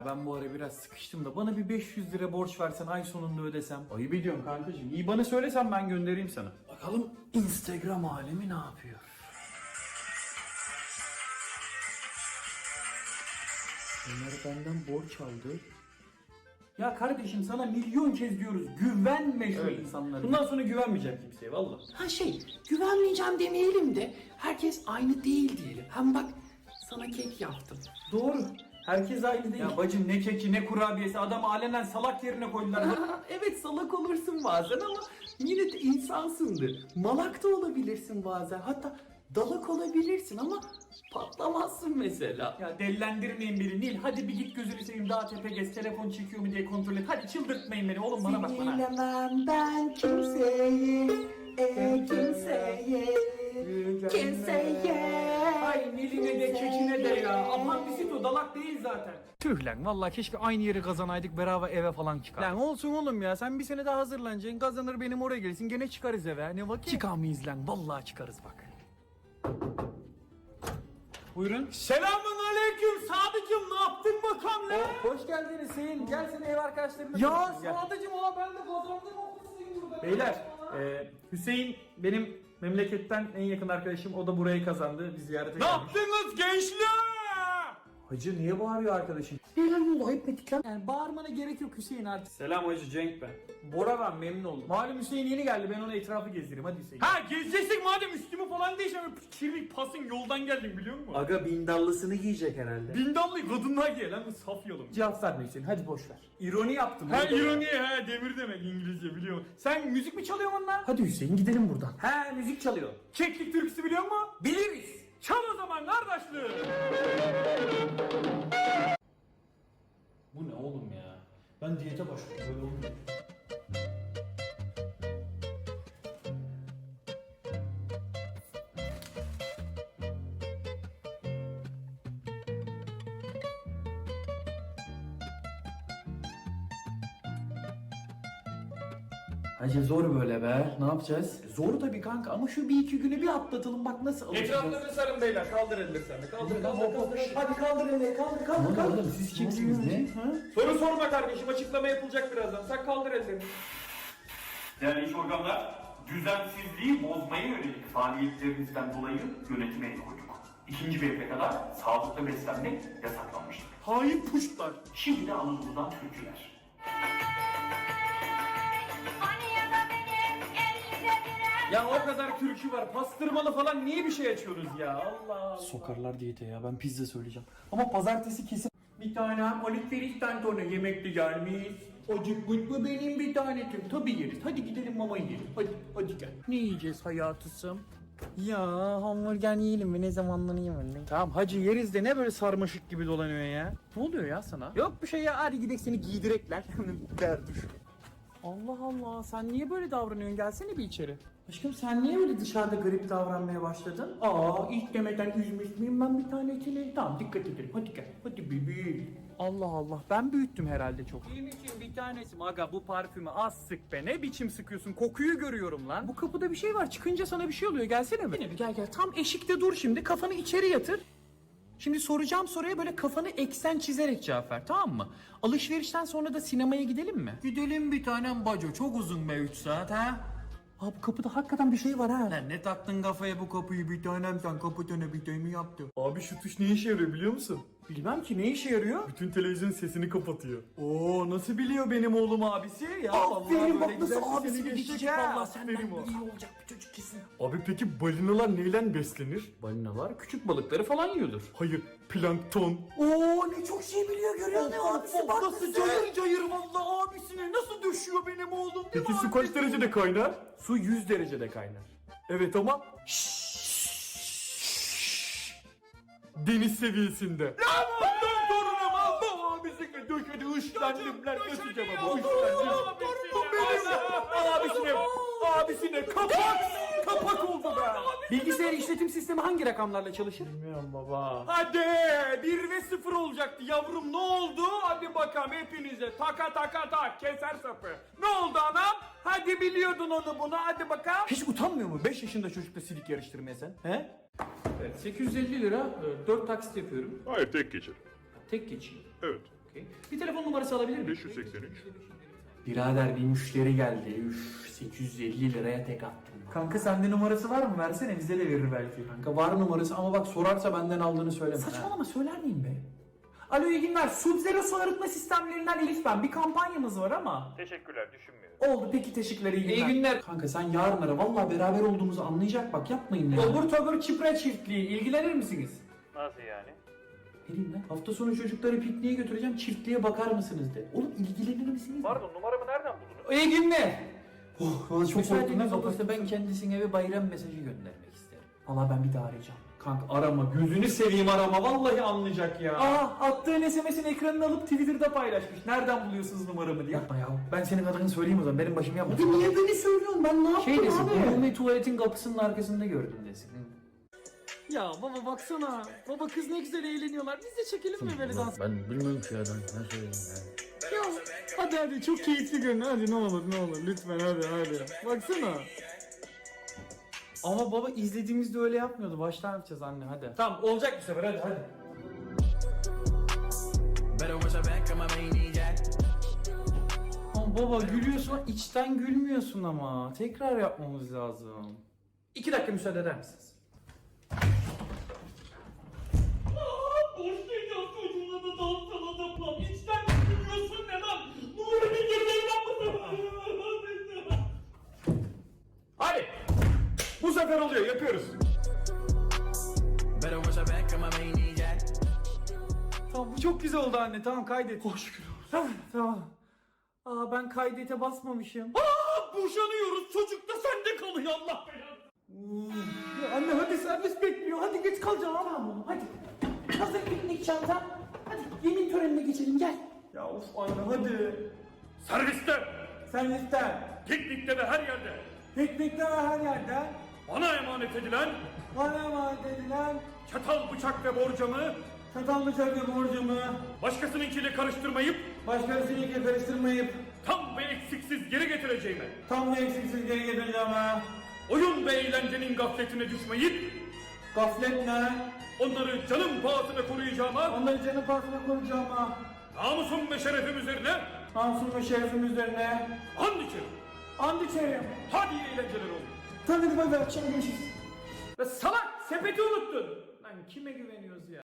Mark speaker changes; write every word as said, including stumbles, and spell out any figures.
Speaker 1: Ben bu ara biraz sıkıştım da bana bir beş yüz lira borç versen ay sonunda ödesem. Ayıp ediyorum kankacığım. İyi bana söylesen ben göndereyim sana. Bakalım Instagram alemi ne yapıyor? Ömer benden borç aldı. Ya kardeşim sana milyon kez diyoruz güvenme şu
Speaker 2: Evet.
Speaker 1: insanlara. Bundan sonra güvenmeyeceğim kimseye valla.
Speaker 2: Ha şey, güvenmeyeceğim demeyelim de herkes aynı değil diyelim. Hem bak sana kek yaptım.
Speaker 1: Doğru. Herkes aynı değil. Ya bacım ne keki ne kurabiyesi adam alenen salak yerine koydular.
Speaker 2: Ha, evet salak olursun bazen ama yine de insansındır. Malak da olabilirsin bazen. Hatta dalak olabilirsin ama patlamazsın mesela.
Speaker 1: Ya delilendirmeyin beni Nil. Hadi bir git gözünü seveyim daha tepe gez. Telefon çekiyor mu diye kontrol et. Hadi çıldırtmayın beni oğlum bana bak bana.
Speaker 2: Sinirlemem ben kimseyi, e kimseyi, kimseye.
Speaker 1: Ay Nil'ine de kekine de ya. Aman bisit o dalak değil zaten. Tüh lan vallahi keşke aynı yeri kazanaydık beraber eve falan çıkar. Lan olsun oğlum ya sen bir sene daha hazırlanacaksın. Kazanır benim oraya gelirsin gene çıkarız eve. Ne vakit? Çıkamayız lan vallahi çıkarız bak. Buyurun. Selamun aleyküm Sadıcım ne yaptın bakalım lan? hoş geldiniz Hüseyin. Gel seni ev arkadaşlarımla. Ya Sadıcım ha ben de kazandım okulsuyum burada. Beyler e, Hüseyin benim memleketten en yakın arkadaşım. O da burayı kazandı. Biz ziyarete geldik. Ne yaptınız gençler? Hacı niye bağırıyor arkadaşın?
Speaker 2: Neler oldu ayıp ettik lan.
Speaker 1: Yani bağırmana gerek yok Hüseyin artık. Selam Hacı Cenk ben. Bora ben memnun oldum. Malum Hüseyin yeni geldi ben ona etrafı gezdireyim hadi Hüseyin. Ha gezeceksin madem üstümü falan değişen kirli pasın yoldan geldim biliyor musun?
Speaker 2: Aga bindallısını giyecek herhalde.
Speaker 1: Bindallı kadınlar giye lan bu saf yolum. Cevap verme Hüseyin hadi boş ver. İroni yaptım. Ha
Speaker 2: Orada-
Speaker 1: ironi ha demir demek İngilizce biliyor musun? Sen müzik mi çalıyorsun lan?
Speaker 2: Hadi Hüseyin gidelim buradan.
Speaker 1: He müzik çalıyor. Keklik türküsü biliyor musun? Biliriz. Çal o zaman kardeşliğim. Bu ne oğlum ya? Ben diyete başladım böyle olmuyor.
Speaker 2: Hacı zor böyle be. Ne yapacağız? Zor tabii kanka ama şu bir iki günü bir atlatalım bak nasıl alışacağız.
Speaker 1: Etraflarını sarın beyler. Kaldır elleri sen de. Kaldır kaldır
Speaker 2: Hop, hop,
Speaker 1: kaldır.
Speaker 2: Hadi kaldır elleri kaldır kaldır kaldır. Oğlum siz kimsiniz ne?
Speaker 1: Soru sorma kardeşim. Açıklama yapılacak birazdan. Sen kaldır ellerini.
Speaker 3: Değerli iş organlar, düzensizliği bozmaya yönelik faaliyetlerinizden dolayı yönetime el koyduk. İkinci bir kadar sağlıklı beslenmek yasaklanmıştır.
Speaker 1: Hain puşlar.
Speaker 3: Şimdi de Anadolu'dan türküler.
Speaker 1: Ya o kadar türkü var. Pastırmalı falan niye bir şey açıyoruz ya? Allah Allah.
Speaker 2: Sokarlar diyete ya ben pizza söyleyeceğim. Ama pazartesi kesin.
Speaker 1: Bir tane alışverişten sonra yemekli gelmiş. Acıkmış mı benim bir tanetim? Tabii yeriz. Hadi gidelim mama yiyelim. Hadi, hadi gel. Ne yiyeceğiz hayatısım?
Speaker 2: Ya hamburger yiyelim mi ne zamanlarını yemedim.
Speaker 1: Tamam hacı yeriz de ne böyle sarmaşık gibi dolanıyor ya? Ne oluyor ya sana?
Speaker 2: Yok bir şey ya hadi gidelim seni giydirekler. Derduş.
Speaker 1: Allah Allah sen niye böyle davranıyorsun? Gelsene bir içeri.
Speaker 2: Aşkım sen niye öyle dışarıda garip davranmaya başladın?
Speaker 1: Aa ilk demeden üzmüş müyüm ben bir tanesini? Tamam dikkat edelim. Hadi gel. Hadi bebeğim. Allah Allah ben büyüttüm herhalde çok. Benim için bir tanesi aga bu parfümü az sık be. Ne biçim sıkıyorsun? Kokuyu görüyorum lan. Bu kapıda bir şey var. Çıkınca sana bir şey oluyor. Gelsene mi?
Speaker 2: Yine bir gel gel tam
Speaker 1: Tam eşikte dur şimdi. Kafanı içeri yatır. Şimdi soracağım soruya böyle kafanı eksen çizerek cevap ver tamam mı? Alışverişten sonra da sinemaya gidelim mi? Gidelim bir tanem baco çok uzun be üç saat ha.
Speaker 2: Abi kapıda hakikaten bir şey var ha.
Speaker 1: Lan ne taktın kafaya bu kapıyı bir tanem sen kapatana bir mi yaptı? Abi şu tuş ne işe yarıyor biliyor musun?
Speaker 2: Bilmem ki ne işe yarıyor?
Speaker 1: Bütün televizyon sesini kapatıyor. Oo nasıl biliyor benim oğlum abisi? Ya
Speaker 2: Aferin bak
Speaker 1: böyle
Speaker 2: nasıl
Speaker 1: güzel sesini
Speaker 2: abisini
Speaker 1: geçecek
Speaker 2: geçecek
Speaker 1: ha.
Speaker 2: valla senden
Speaker 1: Aferin o.
Speaker 2: iyi olacak bir çocuk kesin.
Speaker 1: Abi peki balinalar neyle beslenir?
Speaker 2: Balinalar küçük balıkları falan yiyordur.
Speaker 1: Hayır plankton.
Speaker 2: Oo ne çok şey biliyor görüyor musun abisi bak
Speaker 1: Nasıl cayır cayır valla abisine nasıl düşüyor benim oğlum. Peki
Speaker 2: mi
Speaker 1: su kaç derecede kaynar? Su yüz derecede kaynar. Evet ama deniz seviyesinde. Ya bundan torunum Allah abisine döşedi ışlandım lan nasıl cevabı ışlandım. Torunum benim. Abisine abisine kapak kapak oldu be.
Speaker 2: Bilgisayar işletim sistemi hangi rakamlarla çalışır?
Speaker 1: Bilmiyorum baba. Hadi bir ve sıfır olacaktı yavrum ne oldu? Hadi bakalım hepinize taka taka tak keser sapı. Ne oldu anam? Hadi biliyordun onu bunu hadi bakalım.
Speaker 2: Hiç utanmıyor mu beş yaşında çocukla silik yarıştırmaya sen? He?
Speaker 1: Evet, sekiz yüz elli lira dört taksit yapıyorum.
Speaker 4: Hayır tek geçelim.
Speaker 1: Tek geçeyim.
Speaker 4: Evet.
Speaker 1: Okey. Bir telefon numarası alabilir miyim?
Speaker 4: beş yüz seksen üç.
Speaker 2: Birader bir müşteri geldi. Üf, sekiz yüz elli liraya tek attım.
Speaker 1: Kanka sende numarası var mı? Versene bize de verir belki.
Speaker 2: Kanka var numarası ama bak sorarsa benden aldığını söyleme.
Speaker 1: Saçmalama söyler miyim be? Alo iyi günler. Sub-Zero su arıtma sistemlerinden Elif ben. Bir kampanyamız var ama.
Speaker 4: Teşekkürler, düşünmüyorum.
Speaker 1: Oldu peki teşekkürler iyi günler.
Speaker 2: İyi günler. Kanka sen yarın ara. Vallahi beraber olduğumuzu anlayacak bak yapmayın ya.
Speaker 1: Obur tobur çipre çiftliği. İlgilenir misiniz?
Speaker 4: Nasıl yani?
Speaker 2: Vereyim lan. Hafta sonu çocukları pikniğe götüreceğim. Çiftliğe bakar mısınız de. Oğlum ilgilenir misiniz?
Speaker 4: Pardon, numaramı nereden buldunuz?
Speaker 1: İyi günler.
Speaker 2: Oh, valla çok
Speaker 1: Müsaade
Speaker 2: korktum. Ne
Speaker 1: edin,
Speaker 2: olursa ben kendisine bir bayram mesajı göndermek isterim. Valla ben bir daha arayacağım. Kanka arama. Gözünü seveyim arama. Vallahi anlayacak ya.
Speaker 1: Aa attığın S M S'in ekranını alıp Twitter'da paylaşmış. Nereden buluyorsunuz numaramı diye.
Speaker 2: Yapma ya.
Speaker 1: Ben senin adını söyleyeyim o zaman. Benim başım yapma.
Speaker 2: Abi niye beni söylüyorsun? Ben ne yaptım
Speaker 1: Şey desin,
Speaker 2: abi?
Speaker 1: umumi
Speaker 2: tuvaletin kapısının arkasında gördüm desin.
Speaker 1: Ya baba baksana. Baba kız ne güzel eğleniyorlar. Biz de çekelim mi böyle dans?
Speaker 5: Ben bilmiyorum ki ya ben ne söyleyeyim ya.
Speaker 1: Ya hadi hadi çok keyifli görün. Hadi ne olur ne olur lütfen hadi hadi. Baksana. Ama baba izlediğimizde öyle yapmıyordu. Baştan yapacağız anne hadi. Tamam olacak bir sefer hadi hadi. Ama baba gülüyorsun içten gülmüyorsun ama. Tekrar yapmamız lazım. İki dakika müsaade eder misiniz? Başlayacağız çocuğuna da dansana da İçten gülmüyorsun ne lan? Nuri bir geceyle Hadi. Bu sefer oluyor yapıyoruz. Tamam bu çok güzel oldu anne tamam kaydet. Hoş şükür. Tamam tamam. Aa ben kaydete basmamışım. Aa boşanıyoruz çocuk da sende kalıyor Allah belanı. Ya anne hadi servis bekliyor hadi geç kalacaksın tamam oğlum hadi. Hazır piknik çanta. Hadi yemin törenine geçelim gel. Ya of anne hadi.
Speaker 3: Serviste,
Speaker 1: Servisten.
Speaker 3: piknikte ve her yerde
Speaker 1: Piknikte ve her yerde.
Speaker 3: bana emanet edilen
Speaker 1: Bana emanet edilen
Speaker 3: çatal, bıçak ve borcamı
Speaker 1: çatal bıçak ve borcumu
Speaker 3: başkasınınkiyle karıştırmayıp
Speaker 1: başkasıyla karıştırmayıp
Speaker 3: tam ve eksiksiz geri getireceğime,
Speaker 1: tam ve eksiksiz geri getireceğim ha.
Speaker 3: oyun ve eğlencenin gafletine düşmeyip
Speaker 1: Gaflet ne?
Speaker 3: onları canım pahasına koruyacağıma,
Speaker 1: Onları canı pahasına koruyacağım ha.
Speaker 3: namusum ve şerefim üzerine
Speaker 1: Namusum ve şerefim üzerine.
Speaker 3: and içerim.
Speaker 1: And içerim.
Speaker 3: Hadi iyi eğlenceler olsun.
Speaker 1: Tabii hadi bay bay akşam görüşürüz.
Speaker 3: Ve salak sepeti unuttun. Lan kime güveniyoruz ya?